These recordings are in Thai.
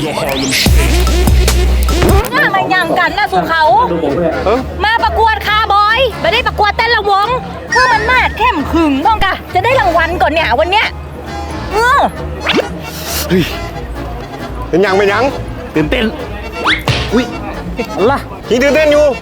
น่ามาย่างกันนะสู่เขามาประกวดคาร์บอยไม่ได้ประกวดเต้นระวงเพื่อมันมาดเข้มขึงต้องกะจะได้รางวัลก่อนเนี่ยวันเนี้ยเฮ้ยเป็นยังตื่นเต้นอุ้ยอะไรยิงตื่นเต้นอยู่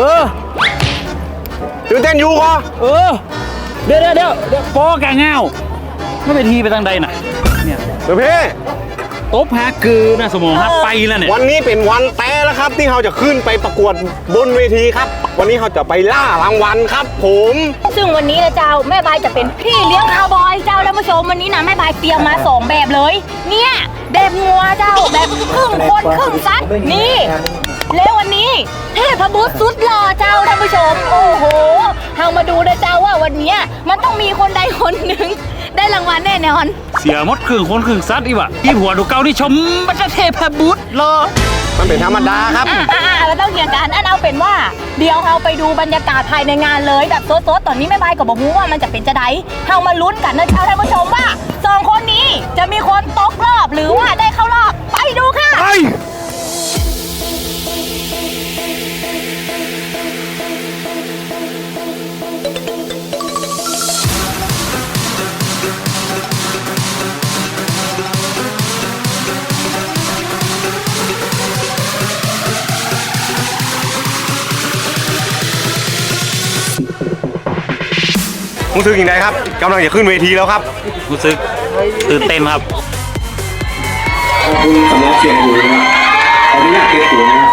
ตื่นเต้นอยู่ก็เดี๋ยวปอแกเงาไม่เป็นทีไปทางใดน่ะเนี่ยเดี๋ยวพี่ตบหาคือนะสมองฮักไปแล้วเนี่ยวันนี้เป็นวันแต่แล้วครับที่เราจะขึ้นไปประกวดบนเวทีครับวันนี้เราจะไปล่ารางวัลครับผมซึ่งวันนี้นะเจ้าแม่บายจะเป็นพี่เลี้ยงคาวบอยเจ้าแล้วมาชมวันนี้นะแม่บายเตรียมมา2แบบเลยเนี่ยแบบงัวเจ้าแบบครึ่งคนครึ่งสัตว์นี่แล้ววันนี้เทพบุตรสุดหล่อเจ้าท่านผู้ชมโอ้โหเรามาดูนะเจ้าว่าวันนี้มันต้องมีคนใดคนหนึ่งได้รางวัลแน่นอนเสียมดครึ่งคนครึ่งซัดอีวะที่หัวดูเกาที่ชมบัตรเทพบุตรรอมันเป็นธรรมดาครับเราต้องเกี่ยงกันเอาเป็นว่าเดี๋ยวเราไปดูบรรยากาศภายในงานเลยแบบโต๊ะตอนนี้แม่บายกับบอกว่ามันจะเป็นจะไดเรามาลุ้นกันนะเจ้าท่านผู้ชมว่า2คนนี้จะมีคนตกรอบหรือว่าได้เข้ารอบไปดูค่ะรู้สึกยังไงครับกำลังจะขึ้นเวทีแล้วครับรู้สึกตื่นเต้นครับขอบคุณสำหรับเสียงอยู่นะครับขออนุญาตเก็บตัวนะครับ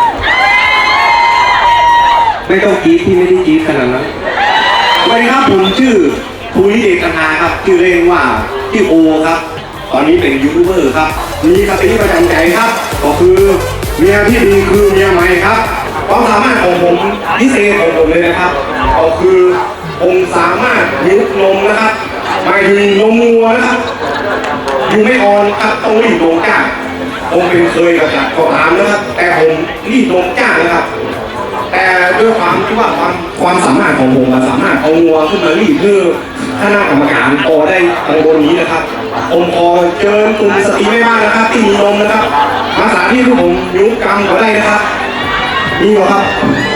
ไม่ต้องกรี๊ดที่ไม่ได้กรี๊ดขนาดนั้นสวัสดีครับผมชื่อภูริเดชกันนาครับชื่อเล่นว่าชื่อโอครับตอนนี้เป็นยูทูบเบอร์ครับมีคติประจำใจครับก็คือเมียที่ดีคือเมียใหม่ครับความสามารถของผมพิเศษของผมเลยนะครับก็คือผมสามารถยุบนมนะครับหมายถึงนมงัวนะครับอยู่ไม่อ่อนครับต้องรีดนมจ้าผมเป็นเคยกับขอถามนะครับแต่ผมรีดนมจ้านะครับแต่ด้วยความที่ว่าความสามารถของผมสามารถเอางัวขึ้นมารีดเพื่อคณะกรรมการพอได้ทางบนนี้นะครับผมขอเชิญกลุ่มสตรีแม่บ้านนะครับที่มีนมนะครับมาสาธิตที่ผมยุบกรรมก็ได้นะครับนี่เหรอครับ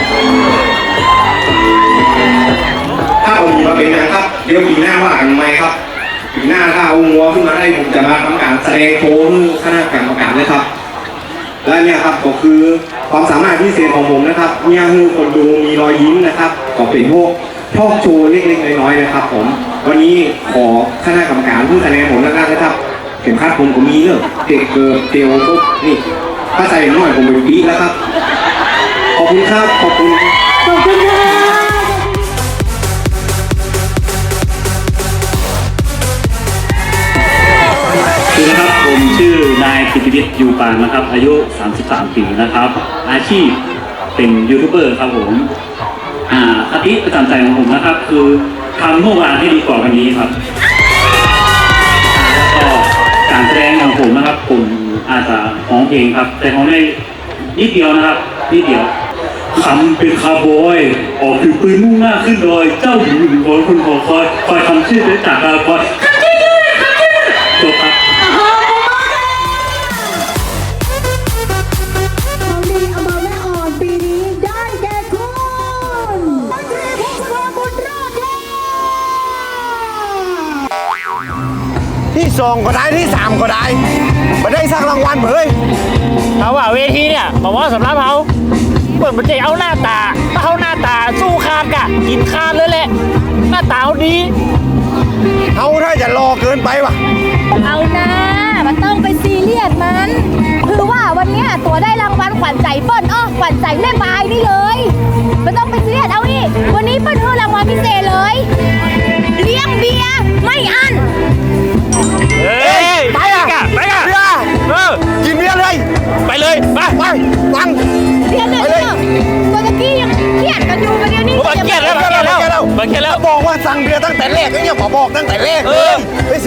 ถ้าผมมีมาเป็นนะครับเดี๋ยวปีหน้าว่ากันไหมครับปีหน้าถ้าเอางัวขึ้นมาได้ผมจะมาทำการแสดงโชว์คณะกรรมการเลยครับและเนี่ยครับก็คือความสามารถพิเศษของผมนะครับเนี่ยคือคนดูมีรอยยิ้มนะครับก็เป็นพวกทอล์กโชว์เล็กๆน้อยๆนะครับผมวันนี้ขอคณะกรรมการผู้คะแนนผมแล้วกันนะครับเข็มขัดผมก็มีเนอะเด็กเกิร์เตียวปุ๊บนี่ถ้าใส่หน่อยผมเป็นปีแล้วครับขอบคุณครับขอบคุณค่ะคือนะครับผมชื่อนายปิติวิทย์ยูปานนะครับอายุ33ปีนะครับอาชีพเป็นยูทูบเบอร์ครับผมคติประจำใจของผมนะครับคือทำเมื่อวานให้ดีกว่าวันนี้ครับแล้วก็การแสดงของผมนะครับผมอาจจะร้องเพลงครับแต่ร้องได้นิดเดียวนะครับนิดเดียวคำเป็นคาร์บอยออกถือปืนมุ่งหน้าขึ้นดอยเจ้าหญิงหนึ่งคนคุณขอคอยทำชื่อได้จากคาร์บอยจบครับที่2ก็ได้ที่3ก็ได้มาได้สร้างรางวัลเฮ้ยเขาว่าเวทีเนี่ยบอกว่าสำหรับเขาเปิดมันจะเอาหน้าตาถ้าเขาหน้าตาสู้คานกะกินคานเลยแหละหน้าตาเขาดีเอาถ้าจะรอเกินไปวะเอานะมันต้องไปซีเรียสมันคือว่าวันนี้ตัวได้รางวัลขวัญใจเปิ้ลขวัญใจแม่บายนี่เลยมันต้องไปซีเรียสเอาอีกวันนี้เปิ้ลให้รางวัลพิเศษเลยเลี้ยงเบียร์ไม่อั้นไปอ่ะเบียร์กินเบียร์เลยไปเลยไปฟังเบียร์เลยตัวตะกี้ยังเครียดกันอยู่กันเดี๋ยวนี้เครียดแล้วบอกว่าสั่งเบียร์ตั้งแต่แรกเนี่ยบอกตั้งแต่แรกไป